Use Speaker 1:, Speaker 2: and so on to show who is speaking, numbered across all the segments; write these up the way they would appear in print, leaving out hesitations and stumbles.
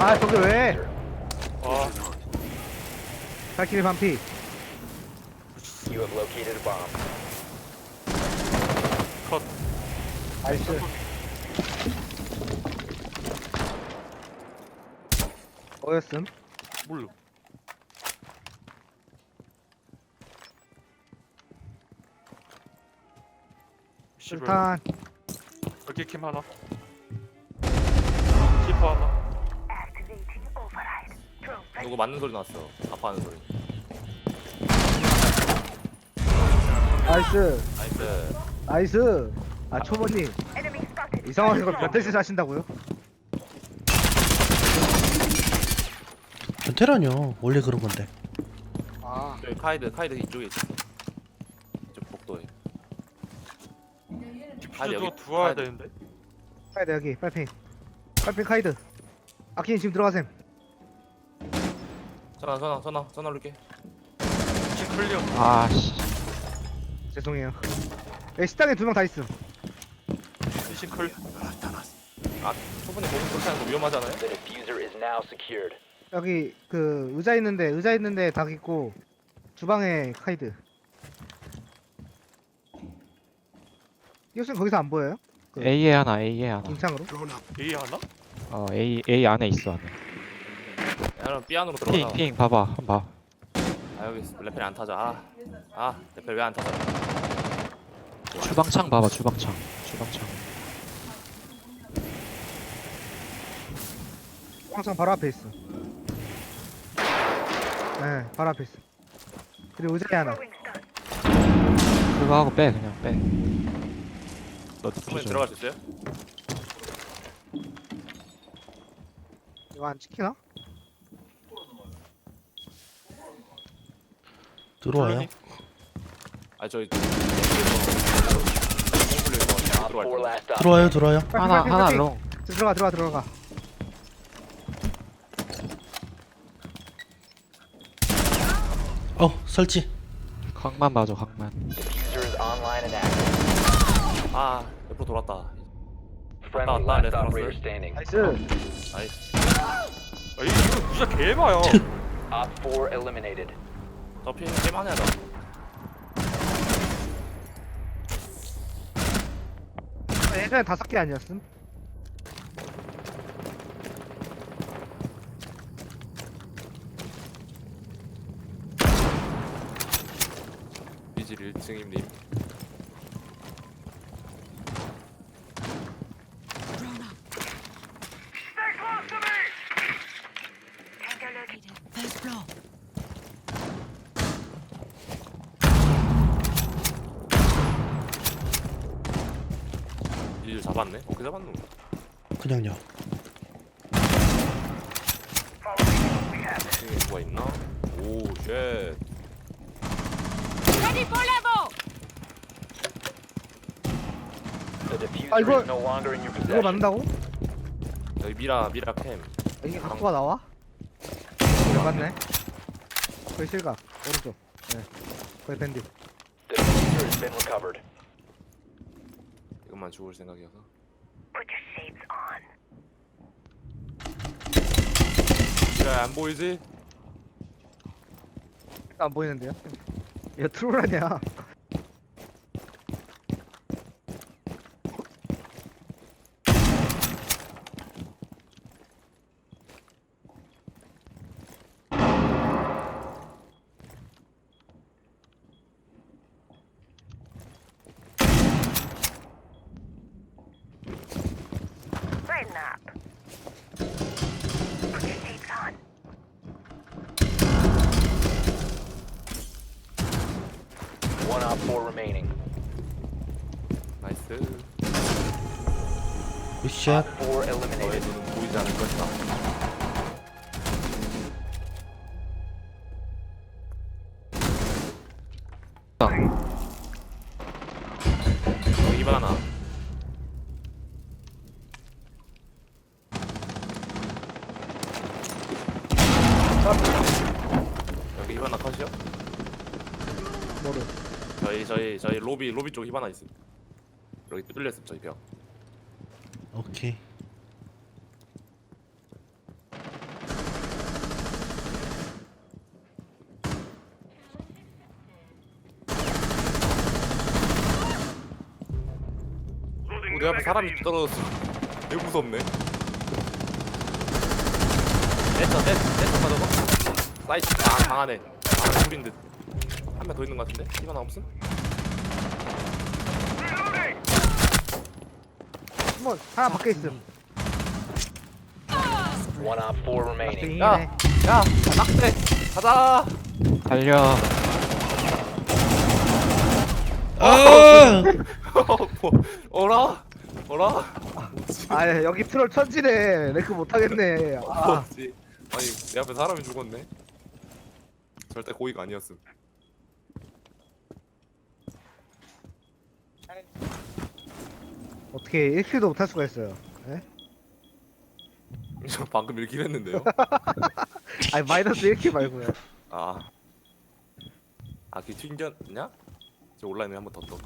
Speaker 1: 아 저게 왜?
Speaker 2: 아,
Speaker 1: 발키리 반피.
Speaker 3: You have located a bomb.
Speaker 2: 컷.
Speaker 1: 나이스. 뭐였음?
Speaker 2: 몰라. 씨발.
Speaker 1: 술탄.
Speaker 2: 여기 캠 하나. 키퍼 하나.
Speaker 4: 누구 맞는 소리 났어. 아파하는 소리.
Speaker 1: 나이스.
Speaker 4: 나이스.
Speaker 1: 나이스. 아 초보님 이 상황에서 변태짓 하신다고요?
Speaker 5: 변태라뇨. 원래 그런 건데.
Speaker 1: 아
Speaker 4: 저기 카이드 이쪽에 있어. 이쪽 복도에. 카이드
Speaker 2: 퓨즈도
Speaker 4: 여기.
Speaker 2: 들어와야
Speaker 4: 카이드.
Speaker 2: 되는데.
Speaker 1: 카이드 여기 빨핑. 빨핑 카이드. 아키님 지금 들어가셈.
Speaker 4: 전화 올게.
Speaker 2: 키 클리어.
Speaker 6: 아씨
Speaker 1: 죄송해요. 여기 식당에 2명 다 있음.
Speaker 2: 미신 클.
Speaker 4: 아, 초반에 보면 그렇게 하는 거 위험하잖아요.
Speaker 3: The diffuser is now secured.
Speaker 1: 여기 그 의자 있는데 닭 있고 주방에 카이드. 이것은 거기서 안 보여요?
Speaker 6: A에 하나 A에 하나
Speaker 1: 인창으로?
Speaker 2: A 하나?
Speaker 6: A 안에 있어 안에
Speaker 4: 야, 그럼 B 안으로 들어가.
Speaker 6: 핑 봐봐 한번 봐
Speaker 4: 아 여기 레펠이 안 타자. 레펠 왜 안 타자?
Speaker 6: 주방창 봐봐 주방창
Speaker 1: 항상 바로 앞에 있어. 네, 바로 앞에 있어. 그리고 의자에 하나.
Speaker 6: 그거 하고 빼 그냥 빼 너
Speaker 4: 초반에
Speaker 6: 디퓨저
Speaker 4: 들어갈 수 있어요?
Speaker 1: 이거 안 찍히나?
Speaker 5: 들어와요.
Speaker 4: 아 저기.
Speaker 3: Op 4 last stop.
Speaker 5: 들어와요.
Speaker 6: 하나 롱
Speaker 1: 들어가.
Speaker 5: 설치.
Speaker 6: 각만 봐줘 각만
Speaker 3: Diffuser is online and active.
Speaker 4: 아 옆으로 돌았다.
Speaker 3: Friendly
Speaker 4: 왔다,
Speaker 3: last
Speaker 4: 레스토랑스.
Speaker 3: operator standing.
Speaker 1: 나이스.
Speaker 4: 나이스.
Speaker 2: 아, 이거 진짜 개마야.
Speaker 3: Op 4 eliminated.
Speaker 4: 저 피는 게임하네 너.
Speaker 1: 예전에 5개 아니었음?
Speaker 4: 비질 1층임님.
Speaker 7: First floor.
Speaker 4: 비질 잡았네. 어떻게 잡았노?
Speaker 5: 그냥요.
Speaker 4: 2층에 누가 있나? 오 쉣.
Speaker 7: Ready for level.
Speaker 3: The diffuser
Speaker 1: 아, 이거-
Speaker 3: is no longer in your
Speaker 1: 이거
Speaker 3: possession.
Speaker 1: 맞는다고?
Speaker 4: 여기 미라 캠.
Speaker 1: 이게 각도가 나와? 네, 맞네. 거의 실각. 오른쪽. 네. 거의 밴디.
Speaker 3: The diffuser has been recovered.
Speaker 4: 이것만 죽을 생각이어서. 미라 안 보이지?
Speaker 1: 안 보이는데요? 이거 트롤 아니야?
Speaker 7: Brighten up. Put your skates on.
Speaker 3: One Op 4 remaining.
Speaker 4: 나이스.
Speaker 5: 굿샷.
Speaker 3: Op 4
Speaker 4: 너의
Speaker 3: eliminated.
Speaker 4: 눈은 보이지 않을 것이다. 여기 이번 하나. 여기 이번 하나 컷이요?
Speaker 1: 뭐를?
Speaker 4: 저희 로비 쪽 힙 하나 있음. 여기 뚫렸음 저희 벽.
Speaker 5: 오케이.
Speaker 4: 내 앞에 사람이 떨어졌어. 되게 무섭네. 냈어 가져가. 사이트 강하네. 둘인 듯. 한 명 더 있는 것 같은데? 이거 나 없음?
Speaker 1: 한번 하나 밖에 있음.
Speaker 3: One Op 4 remaining.
Speaker 4: 야!
Speaker 1: 땡이네.
Speaker 4: 야! 낙대! 가자!
Speaker 6: 달려.
Speaker 5: 아!
Speaker 4: 뭐, 어라? 어라?
Speaker 1: 아 여기 트롤 천지네. 레크 못하겠네. 아,
Speaker 4: 뭐지? 아니 내 앞에 사람이 죽었네. 절대 고의가 아니었음.
Speaker 1: 어떻게 1킬도 못할 수가 있어요. 예?
Speaker 4: 저 방금 읽긴 했는데요.
Speaker 1: 아니 마이너스 1킬 말고요.
Speaker 4: 아, 그 튕겼냐? 저 온라인에 한번 더 떠.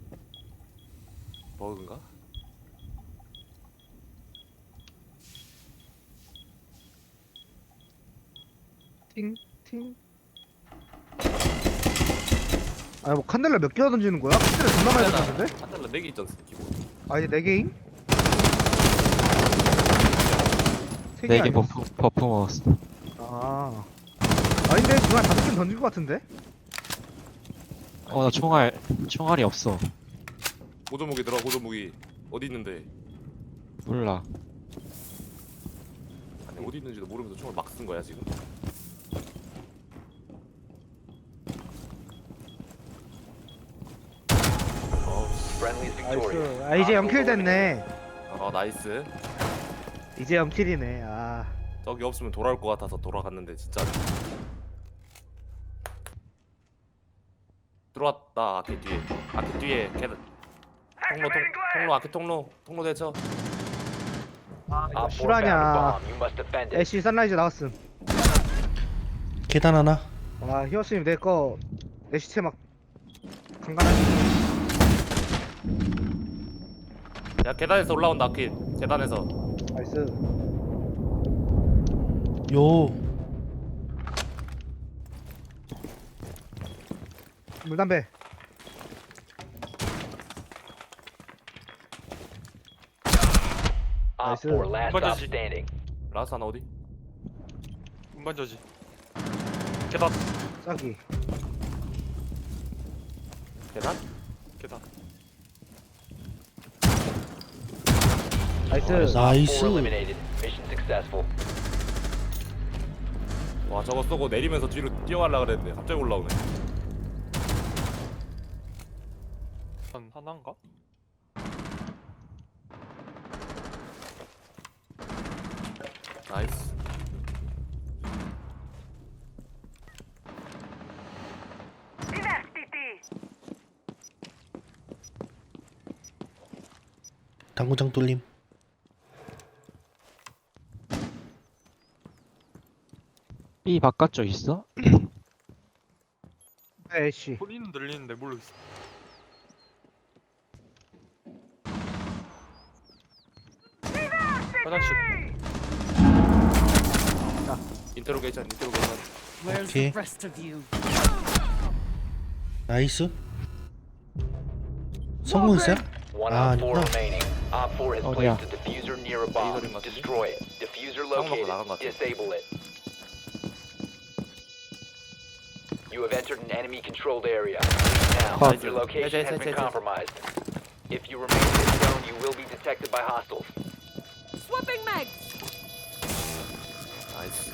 Speaker 4: 버그인가?
Speaker 1: 팅. 아니 뭐 칸넬라 몇 개나 던지는 거야? 칸넬라 존나 많이 던지는데?
Speaker 4: 한 달러 4개 있잖아 기본.
Speaker 1: 아니 4개임? 3개
Speaker 6: 4개 버프 먹었어.
Speaker 1: 아 아닌데 지금 한 5개 던진 거 같은데?
Speaker 6: 나 총알이 없어.
Speaker 4: 고조무기 들어. 고조무기 어디 있는데?
Speaker 6: 몰라.
Speaker 4: 아니 어디 있는지도 모르면서 총을 막 쓴 거야 지금.
Speaker 3: Friendly is victorious.
Speaker 1: 나이스. 아 이제 0킬 됐네.
Speaker 4: 나이스.
Speaker 1: 이제 0킬이네. 아
Speaker 4: 저기 없으면 돌아올 것 같아서 돌아갔는데 진짜. 들어왔다. 아케 뒤에. 아케 뒤에. 계단. 통로 아케 통로 대처.
Speaker 3: Op 4 found a
Speaker 1: 실화냐.
Speaker 3: bomb. You must defend it.
Speaker 1: 애쉬 선라이즈 나왔음.
Speaker 5: 계단 하나.
Speaker 1: 와 히어스님 내거 내 시체 막 강간하지.
Speaker 4: 야 계단에서 올라온다 아케. 계단에서.
Speaker 1: 나이스.
Speaker 5: 요.
Speaker 1: 물담배.
Speaker 3: Op
Speaker 1: Nice.
Speaker 3: 4 last
Speaker 2: What
Speaker 3: stop
Speaker 2: does he-
Speaker 3: standing.
Speaker 4: 라스 하나 어디?
Speaker 2: 운반저지. 계단.
Speaker 1: 짝이.
Speaker 4: 계단?
Speaker 2: 계단.
Speaker 1: 나이스.
Speaker 3: Op 4
Speaker 5: 나이스.
Speaker 3: eliminated. Mission successful.
Speaker 4: 와 저거 쏘고 내리면서 뒤로 뛰어가려고 그랬는데 갑자기 올라오네.
Speaker 2: 한 하나인가?
Speaker 4: 나이스.
Speaker 5: 당구장 뚫림.
Speaker 6: B 바깥쪽 있어?
Speaker 1: 애쉬.
Speaker 2: 소리는 들리는데 모르겠어. 화장실.
Speaker 4: 인테로게이션.
Speaker 5: 오케이. 나이스. 성공했어요?
Speaker 3: One
Speaker 5: Ah,
Speaker 3: Op 4
Speaker 5: no.
Speaker 3: remaining. Op 4 has
Speaker 6: Oh,
Speaker 3: placed
Speaker 6: yeah.
Speaker 3: a diffuser near a bomb.
Speaker 4: Laser in 같은데?
Speaker 3: Destroy it. Diffuser
Speaker 4: 나간 것
Speaker 3: located.
Speaker 4: 같아.
Speaker 3: Disable it. You have entered an enemy-controlled area. Now,
Speaker 6: Huh.
Speaker 3: your location has been
Speaker 4: Hey.
Speaker 3: compromised. If you remain in this zone, you will be detected by hostiles.
Speaker 7: Swapping mags.
Speaker 4: 나이스.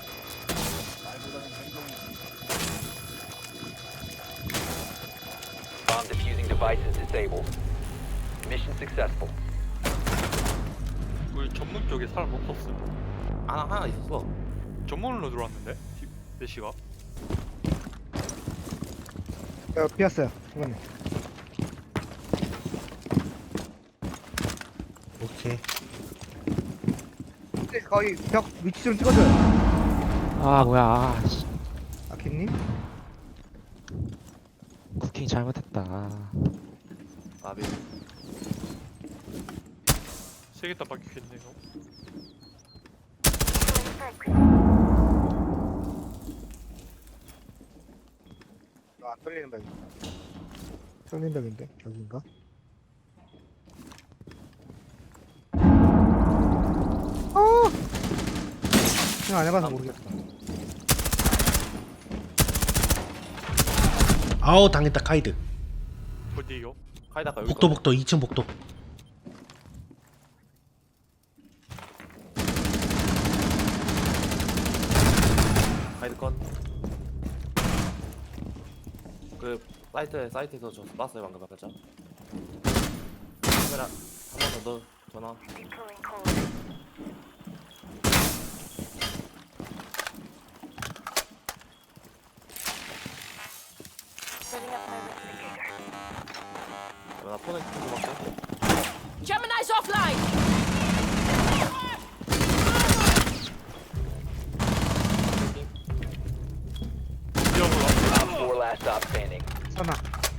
Speaker 3: Bomb diffusing device is disabled. Mission successful.
Speaker 2: 우리 전문 쪽에 사람 없었어.
Speaker 4: 하나 있었어.
Speaker 2: 전문으로 들어왔는데? 대시가?
Speaker 1: 비었어요. 이번에.
Speaker 5: 오케이.
Speaker 1: 거의 벽 위치 좀 찍어줘요.
Speaker 6: 아 뭐야. 아, 씨.
Speaker 1: 아키님.
Speaker 6: 쿠킹 잘못했다.
Speaker 4: 아비.
Speaker 2: 3개 다 박혔네 이거.
Speaker 1: 안 뚫리는 벽. 뚫린 벽인데 여긴가? 그냥 안 해봐서 모르겠다.
Speaker 5: 아우 당했다 카이드.
Speaker 2: 어디요?
Speaker 4: 카이다가 여기
Speaker 5: 복도
Speaker 4: 있거든.
Speaker 5: 복도 2층 복도.
Speaker 4: 카이드 건. 그 사이트에서 저 쐈어요 방금 살짝. 카메라 한 번 더 넣어. 전화. 나 폰에 좀 맞고.
Speaker 7: Gemini's offline.
Speaker 3: Op 4 last stop standing.
Speaker 1: 선아.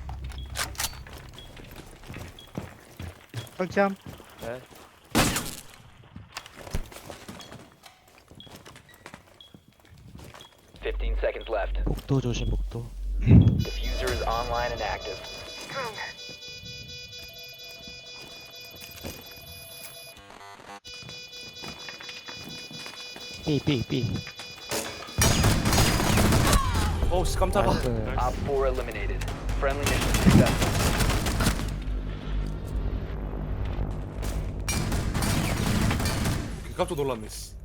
Speaker 1: 설치함.
Speaker 4: 네.
Speaker 3: Fifteen seconds left.
Speaker 6: 복도 조심 복도.
Speaker 3: Diffuser is online and active.
Speaker 6: B.
Speaker 4: 어우씨 깜짝아.
Speaker 6: 나이스.
Speaker 3: Op 4 eliminated. Friendly mission successful.
Speaker 4: 깜짝 놀랐네 씨.